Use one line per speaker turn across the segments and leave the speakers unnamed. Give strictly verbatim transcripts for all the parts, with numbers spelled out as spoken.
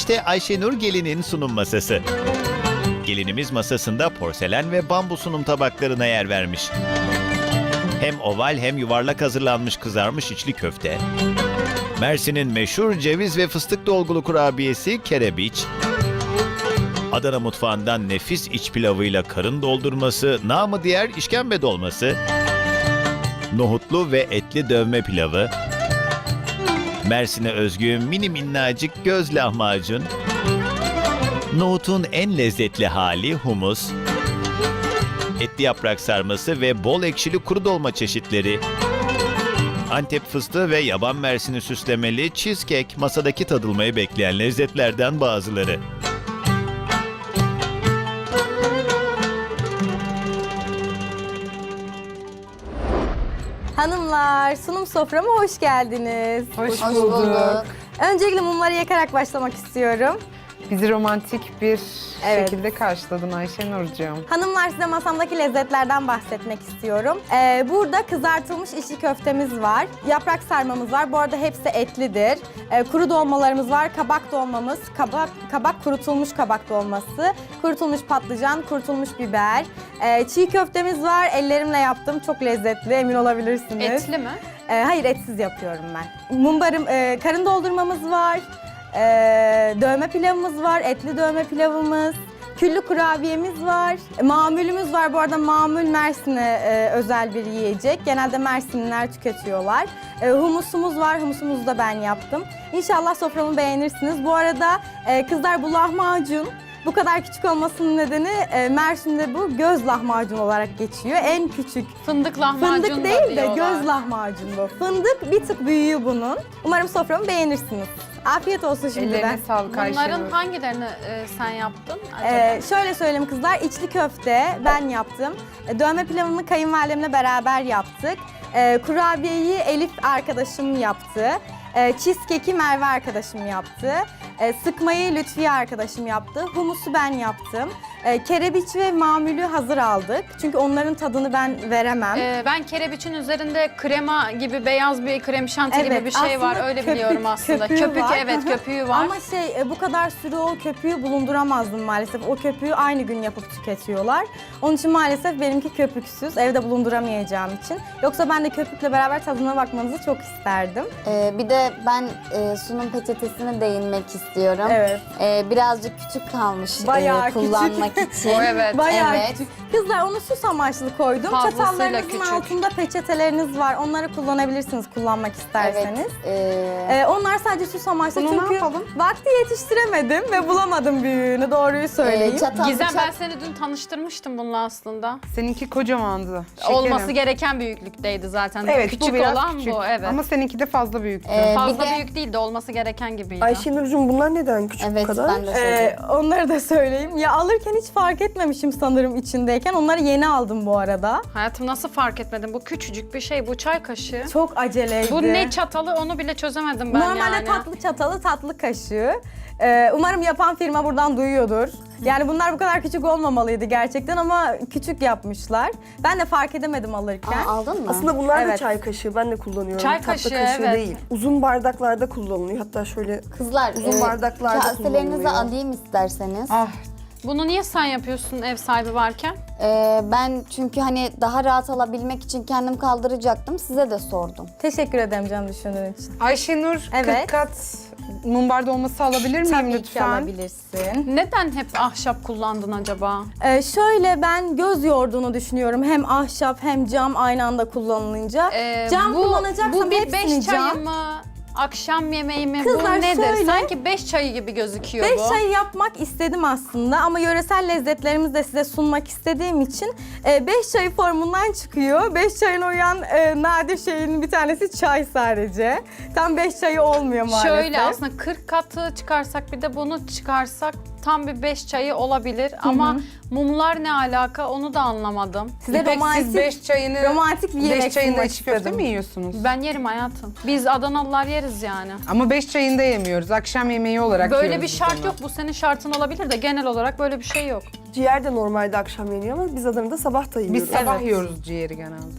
İşte Ayşenur Gelin'in sunum masası. Gelinimiz masasında porselen ve bambu sunum tabaklarına yer vermiş. Hem oval hem yuvarlak hazırlanmış kızarmış içli köfte, Mersin'in meşhur ceviz ve fıstık dolgulu kurabiyesi kerebiç, Adana mutfağından nefis iç pilavıyla karın doldurması, namı diğer işkembe dolması, nohutlu ve etli dövme pilavı, Mersin'e özgü mini minnacık göz lahmacun, nohutun en lezzetli hali humus, etli yaprak sarması ve bol ekşili kuru dolma çeşitleri, Antep fıstığı ve yaban mersini süslemeli cheesecake masadaki tadılmayı bekleyen lezzetlerden bazıları.
Hanımlar, sunum soframa hoş geldiniz.
Hoş,
Hoş
bulduk.
bulduk.
Öncelikle mumları yakarak başlamak istiyorum.
Bizi romantik bir
Evet.
şekilde karşıladın Ayşenurcuğum.
Hanımlar, size masamdaki lezzetlerden bahsetmek istiyorum. Ee, burada kızartılmış içli köftemiz var, yaprak sarmamız var. Bu arada hepsi etlidir. Ee, kuru dolmalarımız var, kabak dolmamız, kabak, kabak kurutulmuş kabak dolması, kurutulmuş patlıcan, kurutulmuş biber. Ee, çiğ köftemiz var, ellerimle yaptım. Çok lezzetli, emin olabilirsiniz.
Etli mi?
Ee, hayır, etsiz yapıyorum ben. Mumbarım, e, karın doldurmamız var. Ee, dövme pilavımız var, etli dövme pilavımız, küllü kurabiyemiz var, e, mamulümüz var. Bu arada mamul Mersin'e e, özel bir yiyecek. Genelde Mersinliler tüketiyorlar. E, humusumuz var, humusumuzu da ben yaptım. İnşallah soframı beğenirsiniz. Bu arada e, kızlar, bu lahmacun bu kadar küçük olmasının nedeni e, Mersin'de bu göz lahmacun olarak geçiyor. En küçük.
Fındık lahmacun
Fındık
da
değil de
diyorlar.
göz lahmacun bu. Fındık bir tık büyüğü bunun. Umarım soframı beğenirsiniz. Afiyet olsun şimdiden.
Ellerine sağlık Ayşenur.
Bunların hangilerini e, sen yaptın acaba?
Ee, şöyle söyleyeyim kızlar, içli köfte ben yaptım. E, Dövme pilavını kayınvalidemle beraber yaptık. E, kurabiyeyi Elif arkadaşım yaptı. E, cheesecake'i Merve arkadaşım yaptı. E, sıkmayı Lütfiye arkadaşım yaptı. Humusu ben yaptım. E, kerebiç ve mamülü hazır aldık. Çünkü onların tadını ben veremem.
Ee, ben kerebiçin üzerinde krema gibi beyaz bir krem şanti gibi
Evet,
bir şey var.
aslında
Öyle
köpük-
biliyorum aslında.
köpüğü
Köpük
var.
evet köpüğü var.
Ama şey e, bu kadar sürü o köpüğü bulunduramazdım maalesef. O köpüğü aynı gün yapıp tüketiyorlar. Onun için maalesef benimki köpüksüz. Evde bulunduramayacağım için. Yoksa ben de köpükle beraber tadına bakmanızı çok isterdim.
Ee, bir de ben e, sunum peçetesine değinmek istiyorum.
Evet.
Ee, birazcık küçük kalmış
Bayağı
e, kullanmak için.
O evet.
Bayağı
Evet.
küçük. Kızlar, onu süs amaçlı koydum.
Fazlasıyla
Çatallarınızın
küçük.
altında peçeteleriniz var. Onları kullanabilirsiniz kullanmak isterseniz.
Evet. ee,
Ee, onlar sadece süs amaçlı
Bunu ne
çünkü
yapalım?
vakti yetiştiremedim ve bulamadım büyüğünü, doğruyu söyleyeyim.
e, çatal
Gizem,
bıçak-
ben seni dün tanıştırmıştım bununla aslında.
Seninki kocamandı. Şekerim.
Olması gereken büyüklükteydi zaten.
Evet,
Küçük
bu biraz
olan
küçük.
bu evet.
Ama seninki de fazla büyüktü.
Ee,
Fazla
bir de-
büyük değil de olması gereken gibiydi.
Ayşenurcuğum, bunlar neden küçük bu
Evet
kadar?
ben de
Ee,
söyleyeyim.
onları da söyleyeyim. Ya alırken hiç fark etmemişim sanırım içindeyken. Onları yeni aldım bu arada.
Hayatım nasıl fark etmedim? Bu küçücük bir şey. Bu çay kaşığı.
Çok aceleydi.
Bu ne çatalı onu bile çözemedim ben
Normalde
yani.
tatlı çatalı, tatlı kaşığı. Ee, umarım yapan firma buradan duyuyordur. Yani bunlar bu kadar küçük olmamalıydı gerçekten ama küçük yapmışlar. Ben de fark edemedim alırken.
Aa, aldın mı?
Aslında bunlar da
Evet.
çay kaşığı. Ben de kullanıyorum.
Çay
Tatlı
kaşığı,
kaşığı
evet.
değil. Uzun bardaklarda kullanılıyor. Hatta şöyle
Kızlar
uzun bardaklarda
kaselerinizi
kullanılıyor.
alayım isterseniz.
Ah,
Bunu niye sen yapıyorsun ev sahibi varken?
Ee, ben çünkü hani daha rahat alabilmek için kendim kaldıracaktım. Size de sordum.
Teşekkür ederim canım düşündüğün için.
Ayşenur
Evet.
kırk kat mumbar dolması alabilir miyim
Tabii ki
lütfen?
alabilirsin.
Neden hep ahşap kullandın acaba?
Ee, şöyle, ben göz yorduğunu düşünüyorum. Hem ahşap hem cam aynı anda kullanılınca.
Ee,
cam
bu,
kullanacaksam
bu bir
hepsini
beş
cam.
çayı mı? Akşam yemeği mi?
Kızlar
bu nedir?
şöyle-
Sanki beş çayı gibi gözüküyor
Beş
bu.
çay yapmak istedim aslında ama yöresel lezzetlerimizi de size sunmak istediğim için e, beş çayı formundan çıkıyor. Beş çayın uyan e, nadir şeyin bir tanesi çay sadece. Tam beş çayı olmuyor maalesef.
Şöyle aslında kırk katı çıkarsak bir de bunu çıkarsak tam bir beş çayı olabilir ama mumlar ne alaka onu da anlamadım.
Size
İpek,
romantik,
siz beş çayını,
romantik bir yemek
beş çayında
sunmak
içi köfte
istedim.
mi yiyorsunuz?
Ben yerim hayatım. Biz Adanalılar yeriz yani.
Ama beş çayında yemiyoruz. Akşam yemeği olarak
Böyle
yiyoruz
bir
biz
şart
onu.
yok. Bu senin şartın olabilir de genel olarak böyle bir şey yok.
Ciğer de normalde akşam yeniyor ama biz Adana'da sabah da yiyoruz.
Biz sabah yiyoruz ciğeri genelde.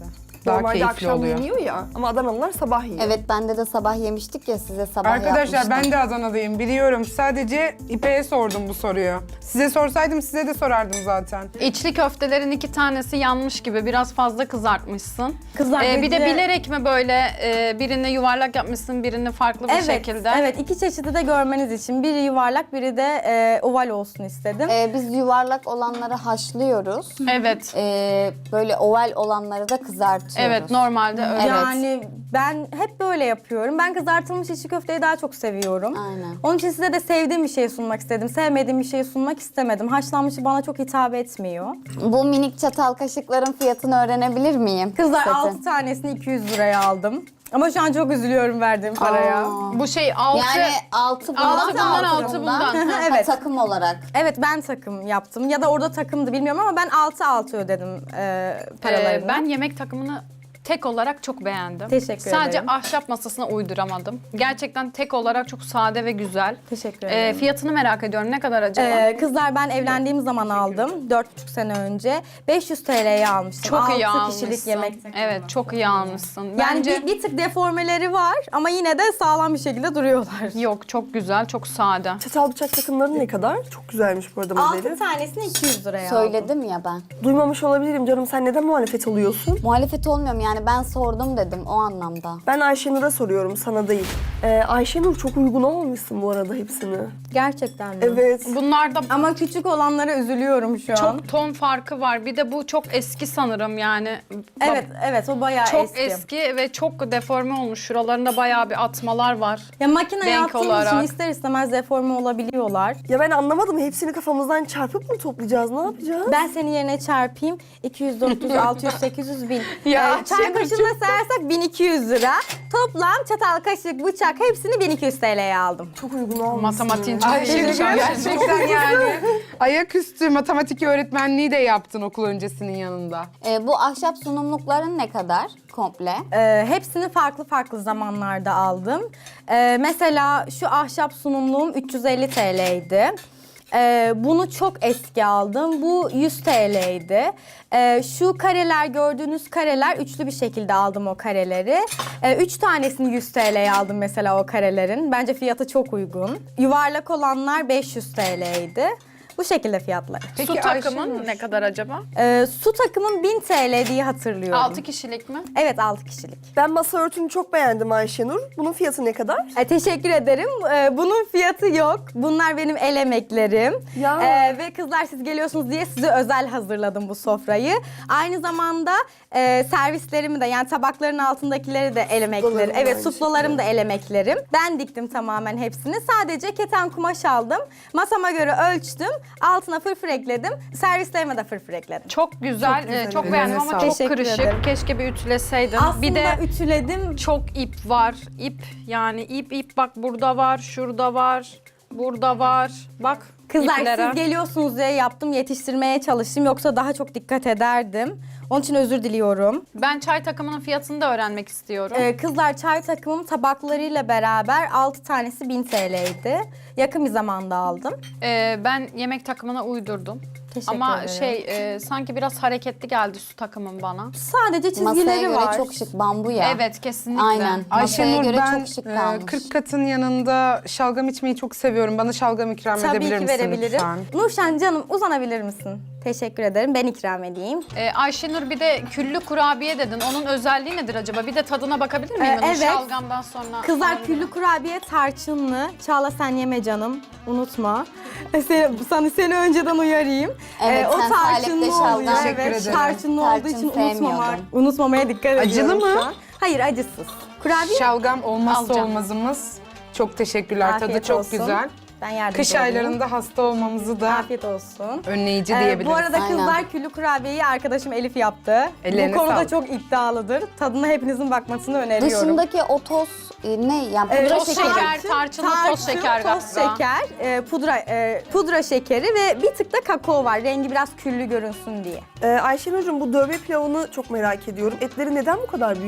Daha
Normalde
keyifli
akşam
oluyor.
yeniyor ya. Ama Adanalılar sabah yiyor.
Evet bende de sabah yemiştik ya size sabah
Arkadaşlar
yapmıştım.
ben de Adana'dayım biliyorum. Sadece İpek'e sordum bu soruyu. Size sorsaydım size de sorardım zaten.
İçli köftelerin iki tanesi yanmış gibi biraz fazla kızartmışsın.
Kızlar
Ee, bir de
dedi-
bilerek mi böyle e, birini yuvarlak yapmışsın, birini farklı bir
Evet,
şekilde?
evet. iki çeşidi de görmeniz için. Biri yuvarlak, biri de e, oval olsun istedim.
Ee, biz yuvarlak olanları haşlıyoruz.
Evet.
Ee, böyle oval olanları da kızartıyoruz.
Evet, normalde öyle.
Evet.
Yani ben hep böyle yapıyorum. Ben kızartılmış içli köfteyi daha çok seviyorum.
Aynen.
Onun için size de sevdiğim bir şey sunmak istedim. Sevmediğim bir şey sunmak istemedim. Haşlanmışı bana çok hitap etmiyor.
Bu minik çatal kaşıkların fiyatını öğrenebilir miyim?
Kızlar
Setin.
altı tanesini iki yüz liraya aldım. Ama şu an çok üzülüyorum verdiğim paraya.
Aa.
Bu şey altı...
Yani altı bundan,
Altı bundan,
altı
altı
bundan.
bundan.
Ha,
Evet.
takım olarak.
Evet, ben takım yaptım. Ya da orada takımdı bilmiyorum ama ben altı altı ödedim e, paralarını.
Ee, ben yemek takımını tek olarak çok beğendim.
Teşekkür
Sadece
ederim.
ahşap masasına uyduramadım. Gerçekten tek olarak çok sade ve güzel.
Teşekkür
Ee,
ederim.
fiyatını merak ediyorum. Ne kadar acaba?
Ee, kızlar ben evlendiğim zaman aldım. Dört buçuk sene önce. beş yüz T L'ye almıştım.
çok iyi
Altı
almışsın.
kişilik yemek takımı.
Evet, çok iyi almışsın.
Yani
Bence
bir, bir tık deformeleri var ama yine de sağlam bir şekilde duruyorlar.
yok, çok güzel, çok sade.
Çatal bıçak takımları ne kadar? Çok güzelmiş bu arada modeli.
Altı tanesini iki yüz liraya aldım.
Söyledim ya ben.
Duymamış olabilirim canım. Sen neden muhalefet oluyorsun?
Muhalefet olmuyorum yani ben sordum dedim o anlamda.
Ben Ayşenur'a soruyorum, sana değil. Ee, Ayşenur çok uygun almışsın bu arada hepsini.
Gerçekten mi?
Evet.
Bunlarda
Ama küçük olanlara üzülüyorum şu an.
çok ton farkı var. Bir de bu çok eski sanırım yani.
Evet, evet o bayağı
Çok
eski.
eski. ve çok deforme olmuş. Şuralarında bayağı bir atmalar var.
Ya makine
Renk
yaptığım için
olarak.
ister istemez deforme olabiliyorlar.
Ya ben anlamadım. Hepsini kafamızdan çarpıp mı toplayacağız? Ne yapacağız?
Ben senin yerine çarpayım. iki yüz, dört yüz, altı yüz, sekiz yüz, bin.
Ya,
Ee, çay
Şenurcuğum.
kaşığına sayarsak bin iki yüz lira. Toplam çatal, kaşık, bıçak hepsini bin iki yüz T L'ye aldım.
Çok uygun almışsın.
Matematiğin çok
Ayşenur
iyiymiş.
gerçekten yani. Ayaküstü matematik öğretmenliği de yaptın okul öncesinin yanında.
Ee, bu ahşap sunumlukların ne kadar komple?
Ee, hepsini farklı farklı zamanlarda aldım. Ee, mesela şu ahşap sunumluğum üç yüz elli T L'ydi. Ee, bunu çok eski aldım. Bu yüz T L'ydi. Ee, şu kareler, gördüğünüz kareler üçlü bir şekilde aldım o kareleri. Ee, üç tanesini yüz T L'ye aldım mesela o karelerin. Bence fiyatı çok uygun. Yuvarlak olanlar beş yüz T L'ydi. Bu şekilde fiyatları.
Peki
Su takımın
Ayşenur,
ne kadar acaba?
Ee, su takımın bin T L diye hatırlıyorum.
altı kişilik mi?
Evet, altı kişilik.
Ben masa örtünü çok beğendim Ayşenur. Bunun fiyatı ne kadar?
E, teşekkür ederim. E, bunun fiyatı yok. Bunlar benim el emeklerim.
Ya.
E, ve kızlar siz geliyorsunuz diye size özel hazırladım bu sofrayı. Aynı zamanda e, servislerimi de yani tabakların altındakileri de el emekleri.
Suplalarım da
Evet,
aynı
suplalarım da el emeklerim. Ben diktim tamamen hepsini. Sadece keten kumaş aldım. Masama göre ölçtüm. Altına fırfır ekledim. Servislerime de fırfır ekledim.
Çok güzel,
Çok güzel,
e, çok
evet.
beğendim
Ellerine
ama
sağlık.
çok
Teşekkür
kırışık.
ederim.
Keşke bir ütüleseydin.
Aslında
bir de
ütüledim.
çok ip var. İp yani ip ip bak burada var, şurada var, burada var. Bak
Kızlar
iplere.
siz geliyorsunuz diye yaptım, yetiştirmeye çalıştım. Yoksa daha çok dikkat ederdim. Onun için özür diliyorum.
Ben çay takımının fiyatını da öğrenmek istiyorum.
Ee, kızlar çay takımım tabaklarıyla beraber altı tanesi bin T L'ydi. Yakın bir zamanda aldım.
Ee, ben yemek takımına uydurdum.
Teşekkür
Ama
ederim.
şey e, sanki biraz hareketli geldi su takımın bana.
Sadece
Masaya
çizgileri
göre
var.
çok şık bambu ya.
Evet kesinlikle.
Aynen. Masaya
Ayşenur
göre
ben
çok şık
e,
kalmış.
kırk katın yanında şalgam içmeyi çok seviyorum. Bana şalgam ikram
Tabii
edebilir
ki
misin
verebilirim.
lütfen?
Nurşen canım uzanabilir misin? Teşekkür ederim. Ben ikram edeyim.
Ee, Ayşenur bir de küllü kurabiye dedin. Onun özelliği nedir acaba? Bir de tadına bakabilir miyim?
Ee,
onun
evet.
Şalgamdan sonra.
Kızlar
alabilirim.
küllü kurabiye tarçınlı. Çağla sen yeme canım. Unutma. Seni, sana seni önceden uyarayım. Ee,
Evet, sen Salep'te şalgam.
oluyor.
Teşekkür
Evet,
ederim.
tarçınlı
Tarçın
olduğu için
sevmiyordum.
unutmamak, unutmamaya dikkat
Acılı
ediyorum
mı?
şu an. Hayır, acısız. Kurabiye
Şalgam olmazsa
Alacağım.
olmazımız. Çok teşekkürler. Tadı
Afiyet
çok
olsun.
güzel.
Ben yardımcı
Kış
olayım.
aylarında hasta olmamızı da
Afiyet olsun.
önleyici
Ee,
diyebiliriz.
bu arada kızlar
Aynen.
küllü kurabiyeyi arkadaşım Elif yaptı.
Ellerine
bu konuda
sağlık.
çok iddialıdır. Tadına hepinizin bakmasını öneriyorum.
Dışındaki o toz e, ne? Yani
Evet,
pudra
toz
şekeri.
şeker, tarçınlı toz şeker
toz
galiba.
şeker, e, pudra e, pudra şekeri ve bir tık da kakao var. Rengi biraz küllü görünsün diye.
Ee, Ayşenur'cum bu dövme pilavını çok merak ediyorum. Etleri neden bu kadar büyük?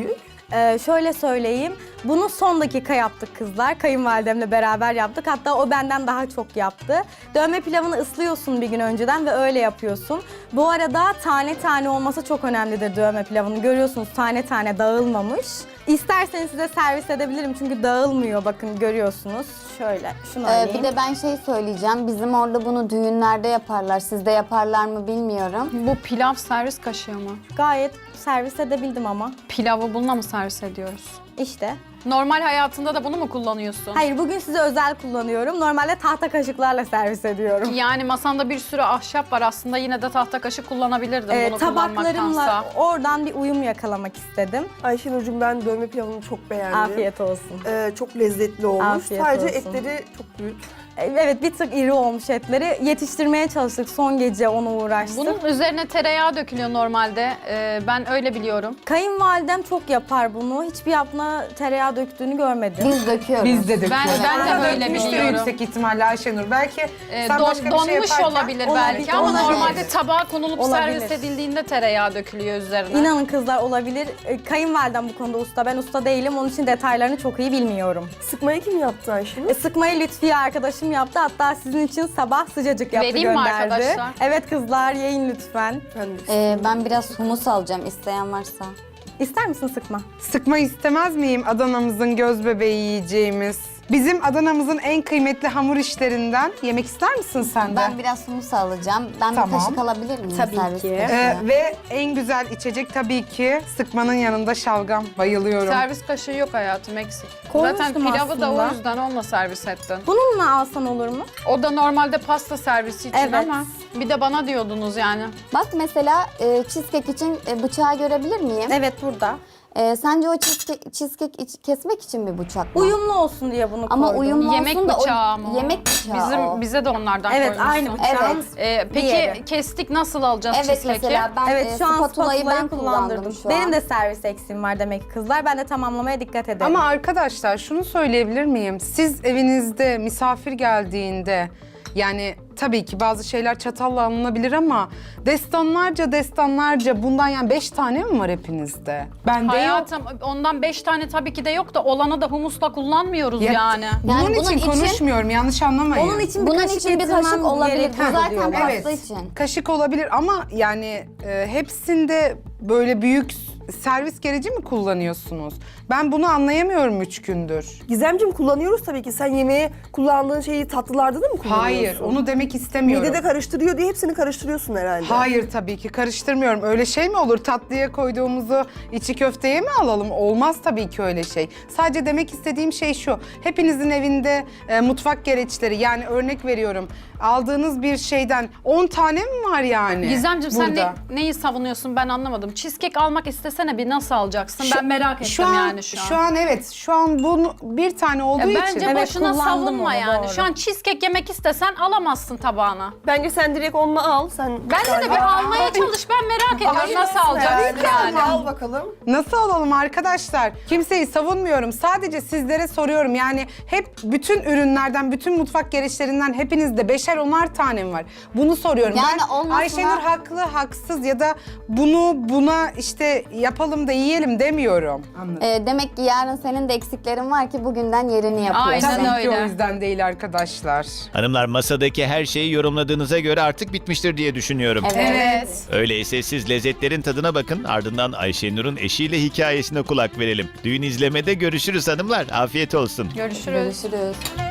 Ee, şöyle söyleyeyim, bunu son dakika yaptık kızlar. Kayınvalidemle beraber yaptık. Hatta o benden daha çok yaptı. Dövme pilavını ıslıyorsun bir gün önceden ve öyle yapıyorsun. Bu arada tane tane olması çok önemlidir dövme pilavının. Görüyorsunuz tane tane dağılmamış. İsterseniz size servis edebilirim çünkü dağılmıyor, bakın görüyorsunuz. Şöyle, şunu
Ee,
alayım.
bir de ben şey söyleyeceğim. Bizim orada bunu düğünlerde yaparlar. Sizde yaparlar mı bilmiyorum.
Bu pilav servis kaşığı mı?
Gayet servis edebildim ama.
Pilavı bununla mı servis ediyoruz?
İşte.
Normal hayatında da bunu mu kullanıyorsun?
Hayır, bugün size özel kullanıyorum. Normalde tahta kaşıklarla servis ediyorum.
Yani masanda bir sürü ahşap var, aslında yine de tahta kaşık kullanabilirdim
Ee,
bunu
tabaklarımla
kullanmaktansa.
oradan bir uyum yakalamak istedim.
Ayşenur'cum ben dövme pilavını çok beğendim.
Afiyet olsun.
Ee, çok lezzetli olmuş.
Afiyet
Sadece
olsun.
etleri çok büyük.
Evet, bir tık iri olmuş etleri. Yetiştirmeye çalıştık. Son gece ona uğraştık.
Bunun üzerine tereyağı dökülüyor normalde. Ee, ben öyle biliyorum.
Kayınvalidem çok yapar bunu. Hiçbir yapına tereyağı döktüğünü görmedim.
Biz döküyoruz.
Biz de döküyoruz.
Ben- ben de
Arada
öyle
dökmüştür
biliyorum.
yüksek ihtimalle Ayşenur. Belki
Ee,
sen
don-
başka bir
donmuş
şey yaparken...
olabilir,
Olabilir,
belki ama
olabilir.
normalde tabağa konulup
Olabilir.
servis edildiğinde tereyağı dökülüyor üzerine.
İnanın kızlar, olabilir. Ee, Kayınvalidem bu konuda usta. Ben usta değilim. Onun için detaylarını çok iyi bilmiyorum.
Sıkmayı kim yaptı Ayşenur?
E, sıkmayı Lütfiye arkadaşım yaptı. Hatta sizin için sabah sıcacık yaptı,
Vereyim mi
gönderdi.
arkadaşlar?
Evet kızlar, yiyin lütfen.
Ben de
Ee, ben biraz humus alacağım isteyen varsa.
İster misin sıkma?
Sıkma istemez miyim Adana'mızın göz bebeği yiyeceğimiz? Bizim Adana'mızın en kıymetli hamur işlerinden. Yemek ister misin sen de?
Ben biraz humus alacağım. Ben
Tamam.
bir kaşık alabilir miyim?
Tabii
servis
ki.
kaşığı?
Ee, ve en güzel içecek tabii ki sıkmanın yanında şalgam. Bayılıyorum.
Servis kaşığı yok hayatım, eksik.
Koymuştum
Zaten pilavı da
aslında.
o yüzden onunla servis ettin.
Bununla alsan olur mu?
O da normalde pasta servisi için
Evet.
ama bir de bana diyordunuz yani.
Bak mesela e, cheesecake için e, bıçağı görebilir miyim?
Evet, burada.
E, sence o cheesecake, cheesecake iç- kesmek için bir bıçak mı?
Uyumlu olsun diye bunu
Ama
koydum.
uyumlu
Yemek
olsun da o-
bıçağı mı? o?
Yemek bıçağı
Bizim
o.
bize de onlardan
Evet,
koymuşsun.
aynı bıçağın
Evet.
Ee, peki
diğeri.
kestik, nasıl alacağız
Evet
cheesecake'i?
mesela ben
Evet,
e,
şu an
spatulayı
spatulayı
ben
kullandırdım.
kullandım şu an.
Benim de servis eksiğim var demek ki kızlar. Ben de tamamlamaya dikkat ederim.
Ama arkadaşlar şunu söyleyebilir miyim? Siz evinizde misafir geldiğinde yani tabii ki bazı şeyler çatalla alınabilir ama destanlarca destanlarca bundan yani beş tane mi var hepinizde? Bende yok.
Hayatım ondan beş tane tabii ki de yok da olanı da humusla kullanmıyoruz
Ya-
yani.
Bunun
Yani
için,
bunun için-
konuşmuyorum, yanlış anlamayın.
onun için bir
Bunun
kaşık
için bir
getirmem
kaşık olabilir. Bu
gerekiyor
zaten
diyorlar.
pasta
Evet,
için.
kaşık olabilir ama yani e, hepsinde böyle büyük servis gereci mi kullanıyorsunuz? Ben bunu anlayamıyorum üç gündür.
Gizemciğim kullanıyoruz tabii ki. Sen yemeğe kullandığın şeyi tatlılarda da mı kullanıyorsun?
Hayır, onu demek istemiyorum.
Midede karıştırıyor diye hepsini karıştırıyorsun herhalde.
Hayır tabii ki karıştırmıyorum. Öyle şey mi olur? Tatlıya koyduğumuzu içi köfteye mi alalım? Olmaz tabii ki öyle şey. Sadece demek istediğim şey şu. Hepinizin evinde e, mutfak gereçleri, yani örnek veriyorum. Aldığınız bir şeyden on tane mi var yani?
Gizemciğim sen
burada?
ne, neyi savunuyorsun ben anlamadım. Cheesecake almak istesene bir, nasıl alacaksın?
Şu-
ben merak ettim
şu an,
yani şu an.
Şu an evet. Şu an bunu bir tane olduğu
Ya
için.
bence
Evet,
boşuna
kullandım
savunma
onu,
yani.
doğru.
Şu an cheesecake yemek istesen alamazsın tabağına.
Bence sen direkt onunla al. Sen
Bence de bir almaya çalış, ben merak ediyorum nasıl alacaksın yani.
Al bakalım.
Nasıl alalım arkadaşlar? Kimseyi savunmuyorum. Sadece sizlere soruyorum. Yani hep bütün ürünlerden, bütün mutfak gereçlerinden hepinizde beşer onar tane mi var? Bunu soruyorum.
Yani
ben
olmasına-
Ayşenur haklı, haksız ya da bunu buna işte yapalım da yiyelim demiyorum. Anladım.
E, demek ki yarın senin de eksiklerin var ki bugünden yerini yapıyorsun.
Aynen
Tabii ki
öyle.
o yüzden değil arkadaşlar.
Hanımlar, masadaki her şeyi yorumladığınıza göre artık bitmiştir diye düşünüyorum.
Evet.
Öyleyse siz lezzetlerin tadına bakın, ardından Ayşenur'un eşiyle hikayesine kulak verelim. Düğün izlemede görüşürüz hanımlar. Afiyet olsun.
Görüşürüz.
Görüşürüz.